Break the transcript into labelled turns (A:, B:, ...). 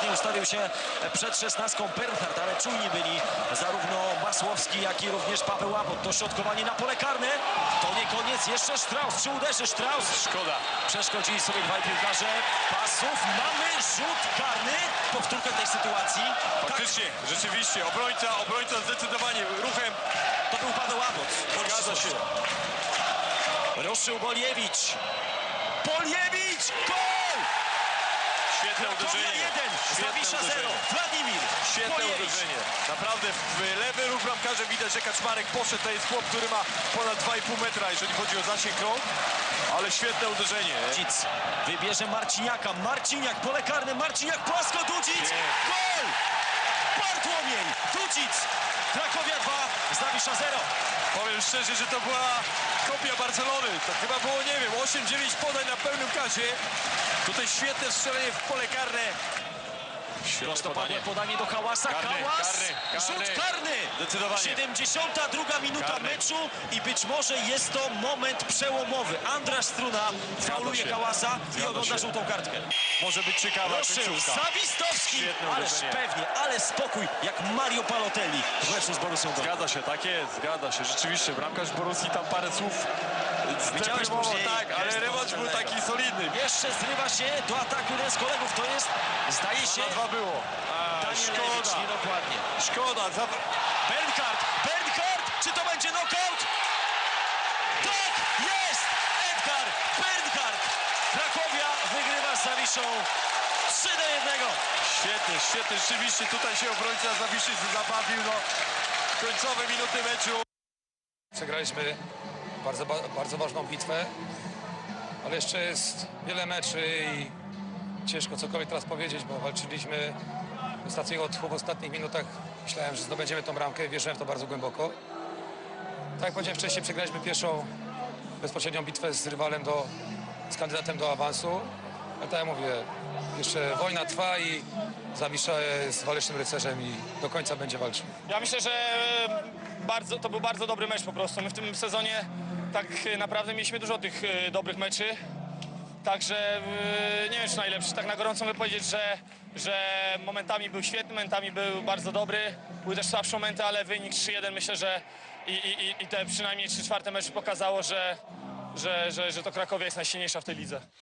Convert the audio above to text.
A: Ładnie ustawił się przed 16 Bernhard, ale czujni byli zarówno Masłowski, jak i również Paweł Łabot. Dośrodkowanie na pole karne. To nie koniec, jeszcze Strauss. Czy uderzy Strauss?
B: Szkoda.
A: Przeszkodzili sobie dwaj piłkarze. Pasów. Mamy rzut karny. Powtórkę tej sytuacji.
B: Faktycznie, rzeczywiście. Obrońca zdecydowanie ruchem.
A: To był Paweł Łabot.
B: Zgadza się.
A: Ruszył Boliewicz. Boliewicz! Gol!
B: Świetne uderzenie.
A: 1, Zawisza 0. Wladimir
B: Świetne
A: Boliewicz.
B: uderzenie. Naprawdę w lewy ruch bramkarza widać, że Kaczmarek poszedł. To jest chłop, który ma ponad 2,5 metra, jeżeli chodzi o zasięg rąk. Ale świetne uderzenie.
A: Dudzic wybierze Marciniaka. Marciniak, pole karne. Marciniak, płasko. Dudzic. Gol! Bartłomiej. Dudzic. Krakowia 2. Zawisza 0.
B: Powiem szczerze, że to była kopia Barcelony. To chyba było, nie wiem, 8-9 podań na pełnym kasie. Tutaj świetne strzelenie w pole karne.
A: Prostopadłe podanie do Hałasa. Hałas, rzut karny.
B: Zdecydowanie.
A: 72 minuta
B: Karny.
A: meczu i być może jest to moment przełomowy. Andrasz Struna fauluje
B: się.
A: Hałasa i
B: Zgadza
A: ogląda
B: się.
A: żółtą kartkę.
B: Może być ciekawa
A: Ruszył
B: końcówka.
A: Zawistowski,
B: Świetne
A: ależ
B: uderzenie.
A: pewnie, ale spokój, jak Mario Balotelli w meczu z Borussią Dortmund.
B: Zgadza się, tak jest, zgadza się. Rzeczywiście, bramkarz Borussii tam parę słów
A: Widziałeś
B: zdeflemował,
A: później
B: tak, ale
A: gest
B: rewanż był
A: Marcelego.
B: taki solidny.
A: Jeszcze zrywa się do ataku jeden z kolegów, to jest, zdaje się,
B: 2 było.
A: Danielewicz,
B: Szkoda,
A: niedokładnie.
B: szkoda.
A: Bernhard, czy to będzie knockout? Tak, jest! Edgar Bernhard. Krakowia wygrywa z Zawiszą 3-1.
B: Świetnie, świetnie. Rzeczywiście tutaj się obrońca Zawiszy zabawił. No, końcowe minuty meczu.
C: Przegraliśmy bardzo ważną bitwę, ale jeszcze jest wiele meczy i ciężko cokolwiek teraz powiedzieć, bo walczyliśmy w ostatnich minutach. Myślałem, że zdobędziemy tą bramkę, wierzyłem w to bardzo głęboko. Tak jak powiedziałem wcześniej, przegraliśmy pierwszą bezpośrednią bitwę z rywalem, z kandydatem do awansu. Ale tak jak mówię, jeszcze wojna trwa i Zawisza jest walecznym rycerzem i do końca będzie walczył.
D: Ja myślę, że to był bardzo dobry mecz po prostu. My w tym sezonie tak naprawdę mieliśmy dużo tych dobrych meczy. Także nie wiem, czy najlepszy. Tak na gorąco mogę powiedzieć, że momentami był świetny, momentami był bardzo dobry. Były też słabsze momenty, ale wynik 3-1 myślę, że i te przynajmniej 3/4 meczu pokazało, że to Krakowia jest najsilniejsza w tej lidze.